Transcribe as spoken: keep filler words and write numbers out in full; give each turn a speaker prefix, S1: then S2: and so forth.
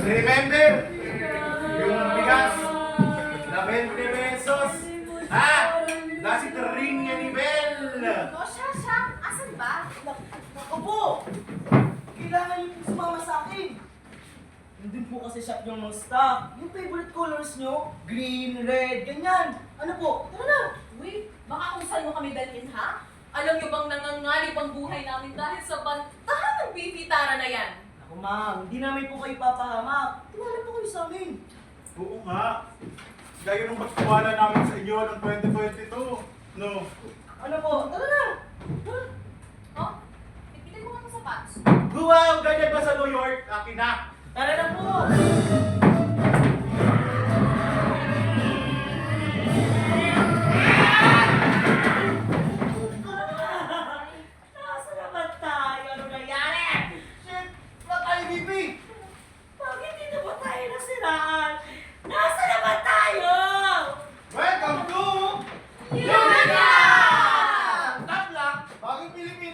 S1: Remember? Yung bigas na twenty pesos. Ha? That's it ring niya ni Bel.
S2: O siya, siya. Asan ba?
S3: Ako po! Kailangan niyo po sumama sa akin. Nandun po kasi shop yung mga stock. Yung favorite colors nyo, green, red, ganyan. Ano po? Tara na!
S2: Uy, baka kung saan mo kami dalhin, ha? Alam niyo bang nangangalip ang buhay namin dahil sa bantahan ng bibitara na yan?
S3: Ako ma'am, hindi namin po kayo papahamak. Tumala po kayo sa amin.
S1: Oo nga. Gaya nung pagkuwala namin sa inyo noong twenty twenty-two. No.
S3: Ano po? Tara na! Tara.
S2: Oh, ipitin mo nga ng sapatos.
S1: Wow! Ganyan ba sa New York? Akin na.
S3: Tara na po! Nasa na ba tayo? Ano nangyari?
S1: Shit! Wala tayo, B P!
S3: Bakit dito ba tayo nasiraan? Nasa na ba tayo?
S1: Welcome to...
S2: Yun na!
S1: Tatla! Bagong Pilipinas!